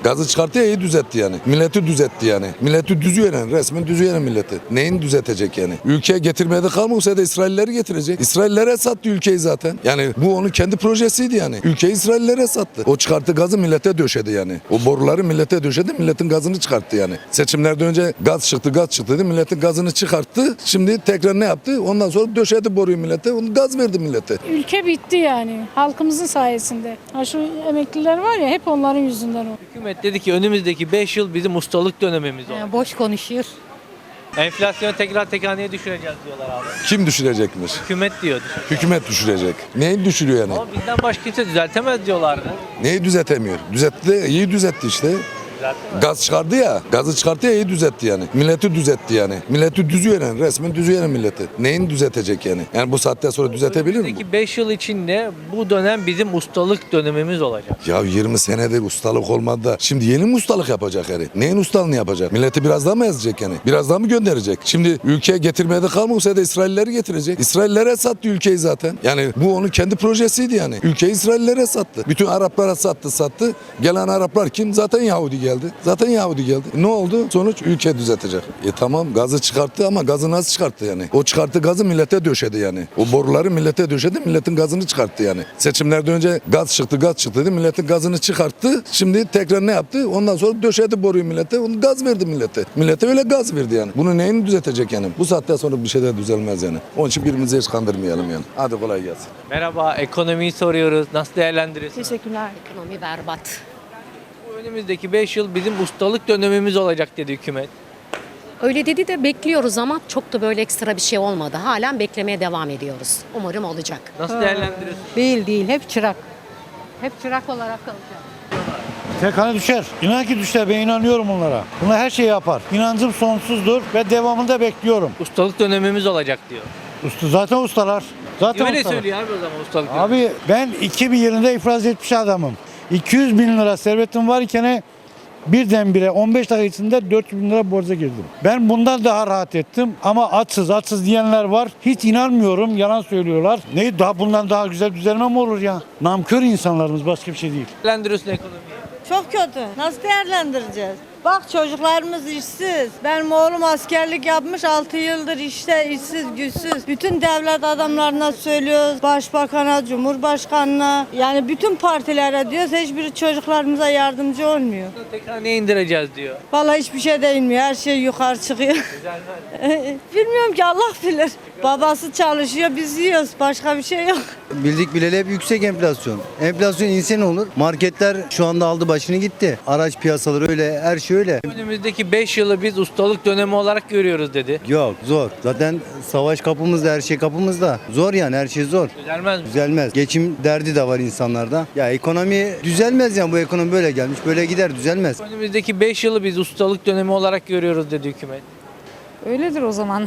Gazı çıkarttı ya, iyi düzeltti yani. Milleti düzeltti yani. Milleti düzüyor yani. Resmen düzüyor yani milleti. Neyin düzeltecek yani? Ülkeye getirmeye de kalmıyorsa da İsrailleri getirecek. İsraillere sattı ülkeyi zaten. Yani bu onun kendi projesiydi yani. Ülkeyi İsraillere sattı. O çıkarttı gazı millete döşedi yani. O boruları millete döşedi. Milletin gazını çıkarttı yani. Seçimlerden önce gaz çıktı dedi. Milletin gazını çıkarttı. Şimdi tekrar ne yaptı? Ondan sonra döşedi boruyu millete. Onu gaz verdi millete. Ülke bitti yani halkımızın sayesinde. Ha şu emekliler var ya hep onların yüzünden o. Hükümet dedi ki önümüzdeki 5 yıl bizim ustalık dönemimiz olacak. Boş konuşuyor. Enflasyonu tekrar tek haneye düşüreceğiz diyorlar abi. Kim düşürecekmiş? Hükümet diyor. Hükümet düşürecek. Neyi düşürüyor yani? Ama bizden başka kimse düzeltemez diyorlardı. Neyi düzeltemiyor? Düzeltti, iyi düzeltti işte. Gaz çıkardı ya, gazı çıkarttı ya, iyi düzeltti yani. Milleti düzeltti yani. Milleti düzüyor yani, resmen düzüyor yani milleti. Neyin düzeltecek yani? Yani bu saatten sonra düzeltebilir mi? Önümüzdeki 5 yıl içinde bu dönem bizim ustalık dönemimiz olacak. Ya 20 senedir ustalık olmadı da şimdi yeni mi ustalık yapacak yani? Neyin ustalığını yapacak? Milleti biraz daha mı ezecek yani? Biraz daha mı gönderecek? Şimdi ülkeye getirmeye de kalmıyorsa da İsrailleri getirecek. İsraillere sattı ülkeyi zaten. Yani bu onun kendi projesiydi yani. Ülkeyi İsraillere sattı. Bütün Araplara sattı. Gelen Araplar kim? Zaten Yahudi geldi. Ne oldu? Sonuç ülke düzeltecek. Tamam gazı çıkarttı ama gazı nasıl çıkarttı yani? O çıkarttı gazı millete döşedi yani. O boruları millete döşedi, milletin gazını çıkarttı yani. Seçimlerden önce gaz çıktı dedi. Milletin gazını çıkarttı. Şimdi tekrar ne yaptı? Ondan sonra döşedi boruyu millete. Onu gaz verdi millete. Millete öyle gaz verdi yani. Bunu neyini düzeltecek yani? Bu saatten sonra bir şey de düzelmez yani. Onun için birbirimizi hiç kandırmayalım yani. Hadi kolay gelsin. Merhaba, ekonomiyi soruyoruz. Nasıl değerlendiriyorsunuz? Teşekkürler. Ekonomi berbat. Bu önümüzdeki 5 yıl bizim ustalık dönemimiz olacak dedi hükümet. Öyle dedi de bekliyoruz ama çok da böyle ekstra bir şey olmadı. Halen beklemeye devam ediyoruz. Umarım olacak. Nasıl değerlendiriyorsunuz? Değil. Hep çırak. Hep çırak olarak kalacak. Tek hane düşer. İnan ki düşer. Ben inanıyorum onlara. Bunlar her şeyi yapar. İnancım sonsuzdur ve devamını da bekliyorum. Ustalık dönemimiz olacak diyor. Zaten ustalar. Zaten Öyle ustalar. söylüyor abi o zaman ustalık dönemi. Abi ben 2000 yılında iflas etmiş adamım. 200 bin lira servetim varken birdenbire 15 dakika içinde 400 bin lira borca girdim. Ben bundan daha rahat ettim ama açsız diyenler var. Hiç inanmıyorum, yalan söylüyorlar. Ne daha bundan daha güzel düzelme mi olur ya? Namkör insanlarımız, başka bir şey değil. Değerlendiriyorsun ekonomiyi. Çok kötü. Nasıl değerlendireceğiz? Bak çocuklarımız işsiz. Benim oğlum askerlik yapmış 6 yıldır işte işsiz güçsüz. Bütün devlet adamlarına söylüyoruz. Başbakana, cumhurbaşkanına yani bütün partilere diyoruz. Hiçbiri çocuklarımıza yardımcı olmuyor. Tek haneye indireceğiz diyor. Vallahi hiçbir şey değinmiyor. Her şey yukarı çıkıyor. Bilmiyorum ki Allah bilir. Babası çalışıyor biz yiyoruz. Başka bir şey yok. Bildik bileli hep yüksek enflasyon. Enflasyon insan olur. Marketler şu anda aldı başını gitti. Araç piyasaları öyle, her şey öyle. Önümüzdeki 5 yılı biz ustalık dönemi olarak görüyoruz dedi. Yok zor. Zaten savaş kapımızda, her şey kapımızda. Zor yani, her şey zor. Düzelmez mi? Düzelmez. Geçim derdi de var insanlarda. Ya ekonomi düzelmez yani, bu ekonomi böyle gelmiş. Böyle gider, düzelmez. Önümüzdeki 5 yılı biz ustalık dönemi olarak görüyoruz dedi hükümet. Öyledir o zaman.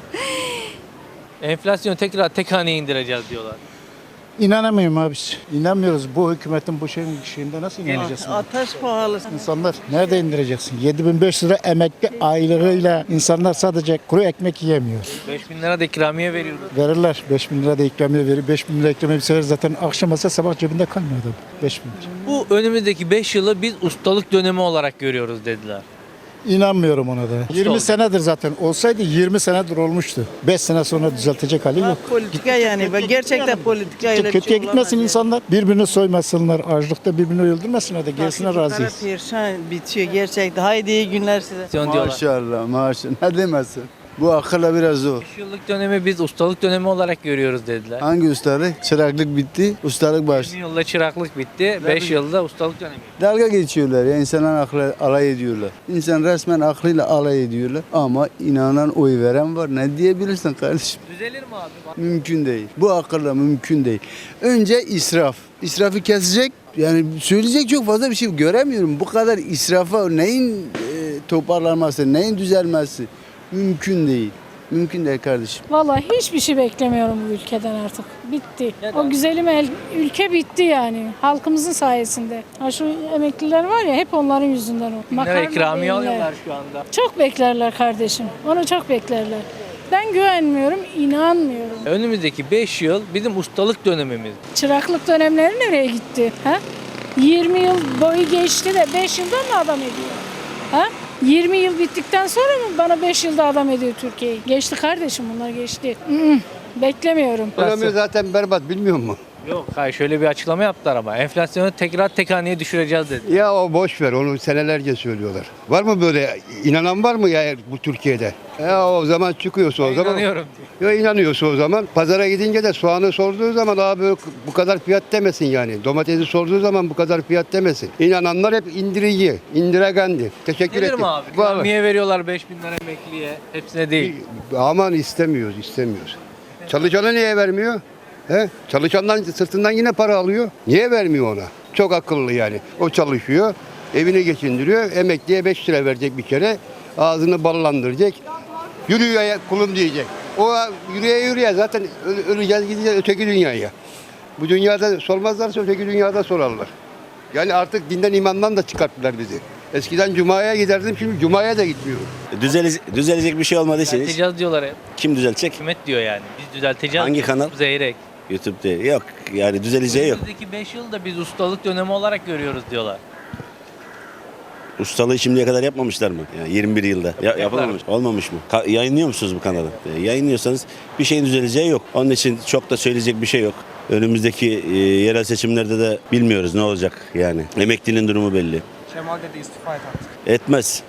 Enflasyonu tekrar tek haneye indireceğiz diyorlar. İnanamıyorum abi. İnanmıyoruz. Bu hükümetin bu şeyinde nasıl inanacaksın? Ateş pahalı. İnsanlar nerede indireceksin? 7.500 lira emekli aylığıyla insanlar sadece kuru ekmek yiyemiyor. 5.000 lira da ikramiye veriyoruz. Verirler. 5.000 lira da ikramiye verir. 5.000 lira ikramiye bir sefer zaten akşam olsa sabah cebinde kalmıyor adam. 5.000 lira. Bu önümüzdeki 5 yılı biz ustalık dönemi olarak görüyoruz dediler. İnanmıyorum ona da. 20 senedir zaten. Olsaydı 20 senedir olmuştu. 5 sene sonra düzeltecek hali yok. Politika yani. Gerçekten politika öyle bir Kötüye şey gitmesin olamaz insanlar. Birbirini soymasınlar. Açlıkta birbirini öldürmesinler de gerisine razıyız. Perişan bitiyor gerçekten. Haydi iyi günler size. Diyorlar. Maşallah. Ne demezsin? Bu akılla biraz zor. 5 yıllık dönemi biz ustalık dönemi olarak görüyoruz dediler. Hangi ustalık? Çıraklık bitti, ustalık 20 başladı. yılda çıraklık bitti, 5 yılda ustalık dönemi. Dalga geçiyorlar ya, insanlar aklı alay ediyorlar. İnsan resmen aklıyla alay ediyorlar ama inanan, oy veren var. Ne diyebilirsin kardeşim? Düzelir mi abi? Mümkün değil. Bu akılla mümkün değil. Önce israf. İsrafı kesecek. Yani söyleyecek çok fazla bir şey göremiyorum. Bu kadar israfa neyin toparlanması, neyin düzelmesi mümkün değil. Mümkün değil kardeşim. Vallahi hiçbir şey beklemiyorum bu ülkeden artık. Bitti. O güzelim ülke bitti yani halkımızın sayesinde. Ha şu emekliler var ya hep onların yüzünden o. Lira ikramiye değiller. alıyorlar şu anda. Çok beklerler kardeşim. Onu çok beklerler. Ben güvenmiyorum, inanmıyorum. Önümüzdeki 5 yıl bizim ustalık dönemimiz. Çıraklık dönemleri nereye gitti? Ha? 20 yıl boyu geçti de 5 yılda mı adam ediyor? Ha? 20 yıl bittikten sonra mı bana 5 yılda adam ediyor Türkiye'yi? Geçti kardeşim, bunlar geçti. Beklemiyorum. Ekonomi zaten berbat, bilmiyor musun? Yok hayır, şöyle bir açıklama yaptılar ama enflasyonu tekrar tek haneye düşüreceğiz dedi. Ya o boş ver, onu senelerce söylüyorlar. Var mı böyle inanan, var mı ya bu Türkiye'de? Ya o zaman çıkıyorsa o zaman. İnanıyorum. Ya inanıyorsa o zaman. Pazara gidince de soğanı sorduğu zaman abi bu kadar fiyat demesin yani. Domatesi sorduğu zaman bu kadar fiyat demesin. İnananlar hep indirici, indiregendi. Teşekkür Gelir ederim. mi abi? Niye veriyorlar 5.000 lira emekliye? Hepsine değil. Aman istemiyoruz. Çalışana niye vermiyor? He? Çalışandan sırtından yine para alıyor. Niye vermiyor ona? Çok akıllı yani. O çalışıyor, evini geçindiriyor. Emekliye 5 lira verecek bir kere. Ağzını ballandıracak. Yürüyor ya kulum diyecek. O yürüye zaten öleceğiz, gideceğiz öteki dünyaya. Bu dünyada sormazlarsa öteki dünyada sorarlar. Yani artık dinden imandan da çıkarttılar bizi. Eskiden Cuma'ya giderdim, şimdi Cuma'ya da gitmiyorum. Düzelecek bir şey olmadığı için Düzelteceğiz diyorlar hep. kim düzeltecek? Hükümet diyor yani. Biz düzelteceğiz. Hangi kanal? Zeyrek. YouTube'da yok. Yani düzeleceği yok. Önümüzdeki 5 yılı da biz ustalık dönemi olarak görüyoruz diyorlar. Ustalığı şimdiye kadar yapmamışlar mı? Yani 21 yılda. Yapılmamış. Olmamış mı? Yayınlıyor musunuz bu kanalı? Yayınlıyorsanız bir şeyin düzeleceği yok. Onun için çok da söyleyecek bir şey yok. Önümüzdeki yerel seçimlerde de bilmiyoruz ne olacak yani. Emeklinin durumu belli. Kemal dedi istifa et artık. Etmez.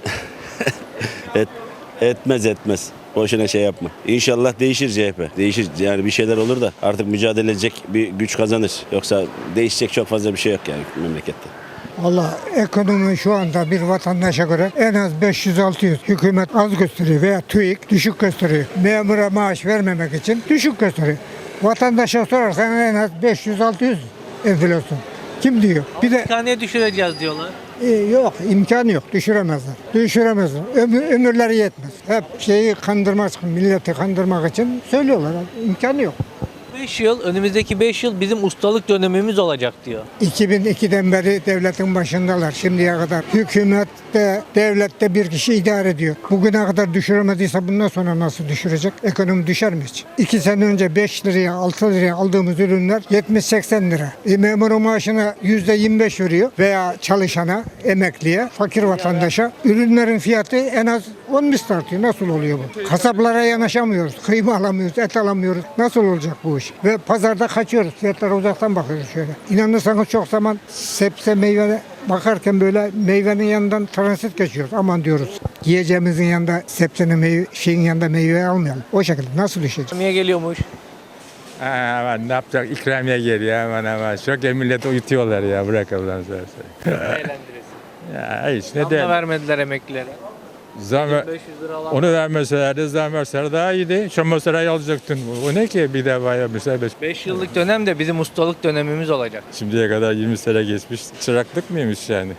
Etmez. Boşuna şey yapma. İnşallah değişir CHP. Değişir yani, bir şeyler olur da artık mücadele edecek bir güç kazanır. Yoksa değişecek çok fazla bir şey yok yani memlekette. Valla ekonomi şu anda bir vatandaşa göre en az 500-600. Hükümet az gösteriyor veya TÜİK düşük gösteriyor. Memura maaş vermemek için düşük gösteriyor. Vatandaşa sorarsan en az 500-600 enflasyon. Kim diyor? Bir de Tek haneye düşüreceğiz diyorlar. yok, imkanı yok, düşüremezler. Ömürleri yetmez. Hep şeyi kandırmak için, milleti kandırmak için söylüyorlar. İmkanı yok. 5 yıl, önümüzdeki 5 yıl bizim ustalık dönemimiz olacak diyor. 2002'den beri devletin başındalar şimdiye kadar. Hükümette, devlette bir kişi idare ediyor. Bugüne kadar düşüremediyse bundan sonra nasıl düşürecek? Ekonomi düşer mi hiç? 2 sene önce 5 liraya, 6 liraya aldığımız ürünler 70-80 lira. Memurun maaşına %25 veriyor veya çalışana, emekliye, fakir vatandaşa. Ürünlerin fiyatı en az 10 misli artıyor. Nasıl oluyor bu? Kasaplara yanaşamıyoruz, kıyma alamıyoruz, et alamıyoruz. Nasıl olacak bu iş? Ve pazarda kaçıyoruz. Fiyatlara uzaktan bakıyoruz şöyle. İnanırsanız çok zaman sebze meyve bakarken böyle meyvenin yanından transit geçiyoruz. Aman diyoruz. Yiyeceğimizin yanında sebzenin şeyin yanında meyve almayalım. O şekilde nasıl düşecek? Niye geliyormuş? Aman ne yapacak? İkramiye geliyor hemen. Çok milleti uyutuyorlar ya. Bırak Allah'ını seversen. Eğlendiresin. Ya hiç ne Zam da de. vermediler emeklilere. Zam, 500 lira alan. onu vermeselerdi, zam verseler daha iyiydi. Şu masrayı alacaktın. O ne ki bir defa yapmışlar. 5 yıllık dönem de bizim ustalık dönemimiz olacak. Şimdiye kadar 20 sene geçmiş. Çıraklık mıymış yani?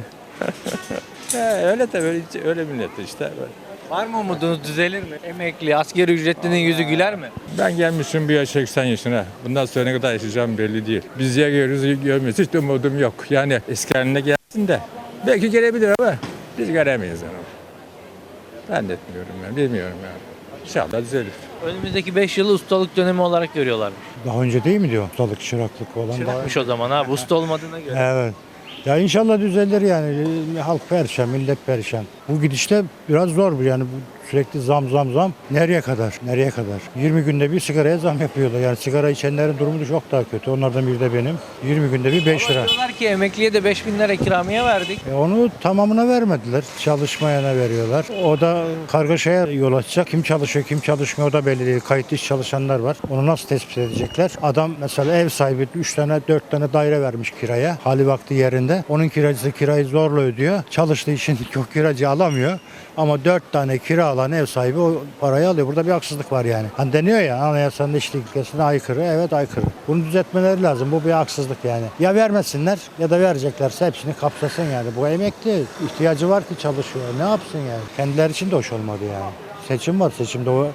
Öyle de öyle millet işte. Böyle. Var mı umudunuz, düzelir mi? Emekli, asgari ücretlinin yüzü güler mi? Ben gelmişim bir yaş 80 yaşına. Bundan sonra ne kadar yaşayacağım belli değil. Biz ya görmüyoruz, hiç umudum yok. Yani eski haline gelsin de. Belki gelebilir ama biz göremeyiz onu. Ben de etmiyorum yani, bilmiyorum yani. İnşallah düzelir. Önümüzdeki 5 yılı ustalık dönemi olarak görüyorlarmış. Daha önce değil mi diyor ustalık, çıraklık olan? Çırakmış o zaman abi, usta olmadığına göre. Evet. Ya inşallah düzelir yani. Halk perişan, millet perişan. Bu gidişte biraz zor bu yani. Sürekli zam. Nereye kadar? 20 günde bir sigaraya zam yapıyorlar. Yani sigara içenlerin durumu da çok daha kötü. Onlardan biri de benim. 20 günde bir 5 lira. Diyorlar ki emekliye de 5.000 lira ikramiye verdik. Onu tamamına vermediler. Çalışmayana veriyorlar. O da kargaşaya yol açacak. Kim çalışıyor, kim çalışmıyor o da belli değil. Kayıtlı iş çalışanlar var. Onu nasıl tespit edecekler? Adam mesela ev sahibi 3 tane 4 tane daire vermiş kiraya. Hali vakti yerinde. Onun kiracısı kirayı zorla ödüyor. Çalıştığı için çok kiracı alamıyor. Ama 4 tane kira alan ev sahibi o parayı alıyor. Burada bir haksızlık var yani. Hani deniyor ya anayasanın eşit ilkesine aykırı. Evet aykırı. Bunu düzeltmeleri lazım. Bu bir haksızlık yani. Ya vermesinler ya da vereceklerse hepsini kapsasın yani. Bu emekli ihtiyacı var ki çalışıyor. Ne yapsın yani? Kendileri için de hoş olmadı yani. Seçim var. Seçimde o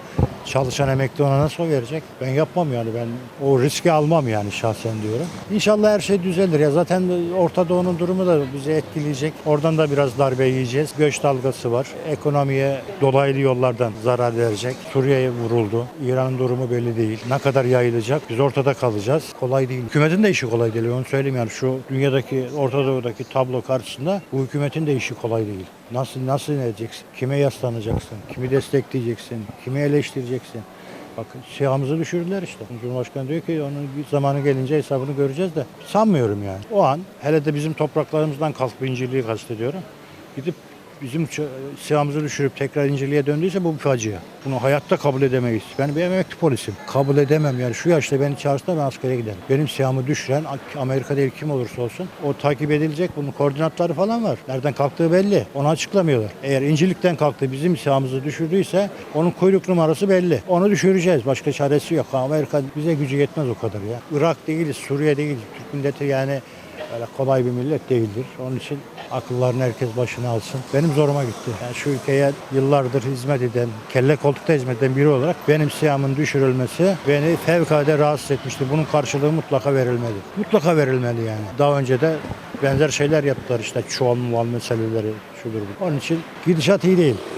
Çalışan emekli ona nasıl o verecek? Ben yapmam yani, ben o riski almam yani şahsen diyorum. İnşallah her şey düzelir ya, zaten Orta Doğu'nun durumu da bizi etkileyecek. Oradan da biraz darbe yiyeceğiz. Göç dalgası var. Ekonomiye dolaylı yollardan zarar verecek. Suriye'ye vuruldu. İran'ın durumu belli değil. Ne kadar yayılacak? Biz ortada kalacağız. Kolay değil. Hükümetin de işi kolay değil. Onu söyleyeyim yani, şu dünyadaki, Orta Doğu'daki tablo karşısında bu hükümetin de işi kolay değil. Nasıl ne edeceksin? Kime yaslanacaksın? Kimi destekleyeceksin? Kimi eleştireceksin? Bak silahımızı düşürdüler işte. Cumhurbaşkanı diyor ki onun bir zamanı gelince hesabını göreceğiz de. Sanmıyorum yani. O an hele de bizim topraklarımızdan kalkıp İncirliği kastediyorum. Gidip bizim silahımızı düşürüp tekrar İncirliğe döndüyse bu bir facia. Bunu hayatta kabul edemeyiz. Ben bir emekli polisim. Kabul edemem yani, şu yaşta beni çağırsa ben askere giderim. Benim silahımı düşüren Amerika değil kim olursa olsun o takip edilecek. Bunun koordinatları falan var. Nereden kalktığı belli. Onu açıklamıyorlar. Eğer İncirlik'ten kalktı bizim silahımızı düşürdüyse onun kuyruk numarası belli. Onu düşüreceğiz. Başka çaresi yok. Amerika bize gücü yetmez o kadar ya. Irak değiliz, Suriye değiliz. Türk milleti yani öyle kolay bir millet değildir. Onun için akıllarını herkes başına alsın. Benim zoruma gitti. Yani şu ülkeye yıllardır hizmet eden, kelle koltukta hizmet eden biri olarak benim silahımın düşürülmesi beni fevkalade rahatsız etmişti. Bunun karşılığı mutlaka verilmeli. Mutlaka verilmeli yani. Daha önce de benzer şeyler yaptılar işte, çuval meseleleri şudur bu. Onun için gidişat iyi değil.